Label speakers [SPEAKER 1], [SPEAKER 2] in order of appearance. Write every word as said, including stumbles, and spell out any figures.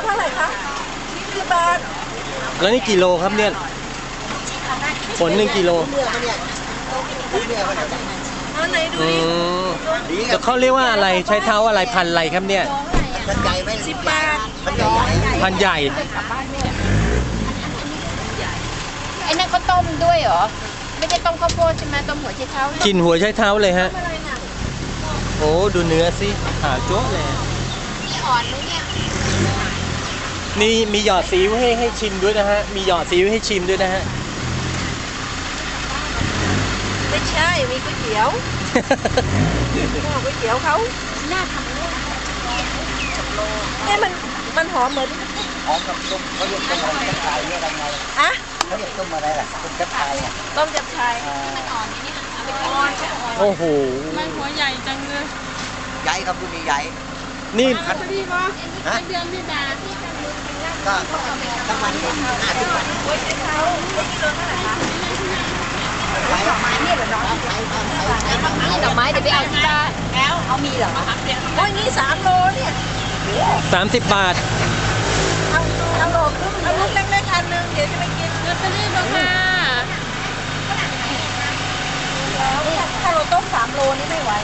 [SPEAKER 1] เท่าไหร่คะยี่สิบบาท
[SPEAKER 2] แล้วนี่กี่โลครับเนี่ยผลหนึ่งกิโล
[SPEAKER 1] เอาไหนดูดิ
[SPEAKER 2] แต่เขาเรียกว่าอะไรใช้เท้าอะไรพันอะไรครับเนี่ย
[SPEAKER 3] พันใหญ่ไหม
[SPEAKER 1] สิบบาท
[SPEAKER 2] พันใหญ่
[SPEAKER 4] ไอ้นั่นเขาต้มด้วยเหรอไม่ได้ต้มข้าวโพดใช่ไหมต้มหัวไชเท้า
[SPEAKER 2] กินหัวใช้เท้าเลยฮะโอ้ดูเนื้อสิขาวโจ๊ะเลย
[SPEAKER 4] มีอ่อนไหมเนี่ย
[SPEAKER 2] นี่มีหยอดซีอิ๊วให้ให้ชิมด้วยนะฮะมีหยอดซีอิ๊วให้ชิมด้วยนะฮะ
[SPEAKER 1] ไม่ใช่มีก๋วยเตี๋ยวก๋วยเตี๋ยวเขา
[SPEAKER 4] น่าทำเลย
[SPEAKER 1] เอ๊ะมันมันหอมเหมือน
[SPEAKER 3] หอมกับต้มเขาเรียกต้มอะไรกระชายเนี่ยอะไรไง
[SPEAKER 1] อะ
[SPEAKER 3] เขาเรียกต้มอะไรล่ะต้มกระชายอ่ะ
[SPEAKER 1] ต้มจับชาย
[SPEAKER 4] มันอ่อนนี่เอาไปทอด
[SPEAKER 2] โอ้โห
[SPEAKER 5] มันหัวใหญ่จังเลย
[SPEAKER 3] ใหญ่ครับคุณนี่ใหญ่
[SPEAKER 2] นี่
[SPEAKER 5] พอดีปะเดือนพี่ดา
[SPEAKER 3] ก็ทั้งวันห้าสิบบาท
[SPEAKER 1] ก๋วยเตี๋ยวเขากิโลเท่าไหร่คะ
[SPEAKER 3] ไปดอกไม้เนี่ยเหรอน้องไปไปไป
[SPEAKER 4] นี่ดอกไม้เดี๋ยวไปเอาที่บ้านแล้วเอามีเหรอ
[SPEAKER 1] โอ้ยนี่สามโลเนี่ย
[SPEAKER 2] สามสิบบาท
[SPEAKER 1] เอาเอาโลครึ่งเอาลูกเล็กๆอันนึงเดี๋ยวจะไปกิน
[SPEAKER 5] ลอตเตอรี่ปะค่ะ
[SPEAKER 1] ถ้าเราต้มสามโลนี่ไม่ไหว